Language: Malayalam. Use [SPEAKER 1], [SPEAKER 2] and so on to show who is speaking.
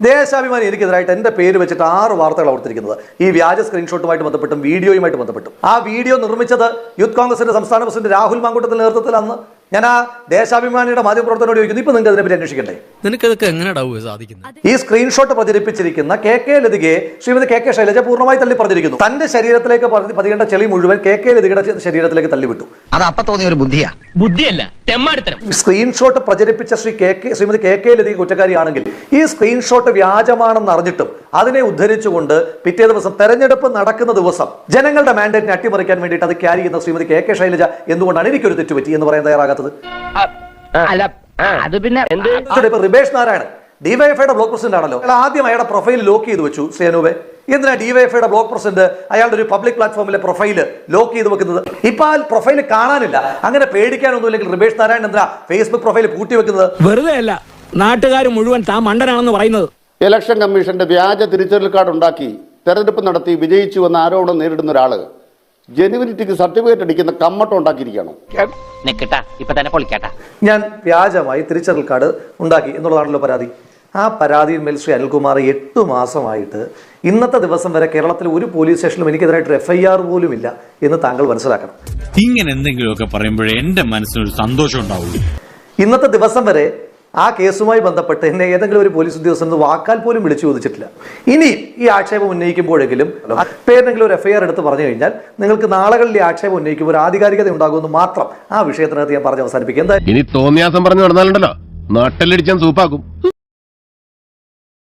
[SPEAKER 1] ദേശാഭിമാനി എനിക്കെതിരായിട്ട് എന്റെ പേര് വെച്ചിട്ട് 6 വാർത്തകൾ കൊടുത്തിരിക്കുന്നത് ഈ വ്യാജ സ്ക്രീൻഷോട്ടുമായിട്ട് ബന്ധപ്പെട്ടും വീഡിയോയുമായിട്ട് ബന്ധപ്പെട്ടും. ആ വീഡിയോ നിർമ്മിച്ചത് യൂത്ത് കോൺഗ്രസിന്റെ സംസ്ഥാന പ്രസിഡന്റ് രാഹുൽ മാങ്കൂട്ടത്തിന്റെ നേതൃത്വത്തിൽ അന്ന് ഞാൻ ആ ദേശാഭിമാനിയുടെ മാധ്യമപ്രവർത്തനോട് ചോദിക്കുന്നു, ഇപ്പൊ നിങ്ങൾക്ക് അതിനെപ്പറ്റി അന്വേഷിക്കണ്ടേ?
[SPEAKER 2] നിനക്കതൊക്കെ എങ്ങനെയാ സാധിക്കുന്നത്?
[SPEAKER 1] ഈ സ്ക്രീൻഷോട്ട് പ്രചരിപ്പിച്ചിരിക്കുന്ന കെ ലതികയെ ശ്രീമതി കെ ശൈലജ പൂർണ്ണമായി തള്ളി പറഞ്ഞിരിക്കുന്നു. തന്റെ ശരീരത്തിലേക്ക് പതിയേണ്ട ചെളി മുഴുവൻ കെ ലതികയുടെ ശരീരത്തിലേക്ക് തള്ളിവിട്ടു.
[SPEAKER 3] അത് അപ്പൊ തോന്നിയ ഒരു ബുദ്ധിയാ.
[SPEAKER 4] ബുദ്ധിയല്ല, തെമ്മാടിത്തരം.
[SPEAKER 1] സ്ക്രീൻഷോട്ട് പ്രചരിപ്പിച്ച ശ്രീമതി കെ ലതിക കുറ്റക്കാരിയാണെങ്കിൽ ഈ സ്ക്രീൻഷോട്ട് വ്യാജമാണെന്ന് അറിഞ്ഞിട്ടും അതിനെ ഉദ്ധരിച്ചുകൊണ്ട് പിറ്റേ ദിവസം തെരഞ്ഞെടുപ്പ് നടക്കുന്ന ദിവസം ജനങ്ങളുടെ മാൻഡേറ്റിനെ അട്ടിമറിക്കാൻ വേണ്ടിയിട്ട് അത് ക്യാരി ചെയ്യുന്ന ശ്രീമതി കെ ശൈലജ എന്തുകൊണ്ടാണ് എനിക്കൊരു തെറ്റുപറ്റി എന്ന് പറയാൻ തയ്യാറാകാത്തത്?
[SPEAKER 4] അല്ല, അത് പിന്നെ
[SPEAKER 1] റിബേഷ് നാരായണൻ ഡിവൈഎഫ്ഐയുടെ ബ്ലോക്ക് പ്രസിഡന്റ് ആണല്ലോ. ആദ്യം അയാളുടെ പ്രൊഫൈൽ ലോക്ക് ചെയ്ത് വെച്ചു. സേനുവെ എന്തിനാ ഡിവൈഎഫ്ഐയുടെ ബ്ലോക്ക് പ്രസിഡന്റ് അയാളുടെ ഒരു പബ്ലിക് പ്ലാറ്റ്ഫോമിലെ പ്രൊഫൈല് ലോക്ക് ചെയ്ത് വെക്കുന്നത്? ഇപ്പൊ ആ പ്രൊഫൈൽ കാണാനില്ല. അങ്ങനെ പേടിക്കാനൊന്നുമില്ലെങ്കിൽ റിബേഷ് നാരായണൻ എന്തിനാ ഫേസ്ബുക്ക് പ്രൊഫൈൽ പൂട്ടി വെക്കുന്നത്?
[SPEAKER 5] വെറുതെ അല്ല, നാട്ടുകാർ മുഴുവൻ താൻ മണ്ടനാണെന്ന് പറയുന്നത്.
[SPEAKER 6] ഇലക്ഷൻ കമ്മീഷന്റെ വ്യാജ തിരിച്ചറിയൽ കാർഡ് ഉണ്ടാക്കി തെരഞ്ഞെടുപ്പ് നടത്തി വിജയിച്ചു എന്ന ആരോപണം നേരിടുന്ന ഒരാള് ജെനുവിനിറ്റിക്ക് സർട്ടിഫിക്കറ്റ് അടിക്കുന്ന കമ്മട്ടം ഉണ്ടാക്കിയിരിക്കുകയാണോ? ഞാൻ വ്യാജമായി തിരിച്ചറിയൽ കാർഡ് ഉണ്ടാക്കി എന്നുള്ളതാണല്ലോ പരാതി. ആ പരാതിയിന്മേൽ ശ്രീ അനിൽകുമാർ 8 മാസമായിട്ട് ഇന്നത്തെ ദിവസം വരെ കേരളത്തിൽ ഒരു പോലീസ് സ്റ്റേഷനിലും എനിക്കെതിരായിട്ട് FIR പോലും ഇല്ല എന്ന് താങ്കൾ മനസ്സിലാക്കണം.
[SPEAKER 7] ഇങ്ങനെ എന്തെങ്കിലുമൊക്കെ പറയുമ്പോഴേ എന്റെ മനസ്സിനൊരു സന്തോഷം ഉണ്ടാവുള്ളൂ.
[SPEAKER 1] ഇന്നത്തെ ദിവസം വരെ ആ കേസുമായി ബന്ധപ്പെട്ട് എന്നെ ഏതെങ്കിലും ഒരു പോലീസ് ഉദ്യോഗസ്ഥൻ വാക്കാൽ പോലും വിളിച്ചു ചോദിച്ചിട്ടില്ല. ഇനി ഈ ആക്ഷേപം ഉന്നയിക്കുമ്പോഴെങ്കിലും പേരെങ്കിലും ഒരു FIR എടുത്ത് പറഞ്ഞു കഴിഞ്ഞാൽ നിങ്ങൾക്ക് നാളുകളിൽ ഈ ആക്ഷേപം ഉന്നയിക്കുമ്പോൾ ഒരു ആധികാരികത ഉണ്ടാകുമെന്ന് മാത്രം ആ വിഷയത്തിനകത്ത് ഞാൻ പറഞ്ഞ് അവസാനിപ്പിക്കും. എന്താ
[SPEAKER 8] ഇനി തോന്നിയാസം പറഞ്ഞു നടന്നാലുണ്ടല്ലോ നാട്ടിലടിച്ചാൻ സൂപ്പാക്കും.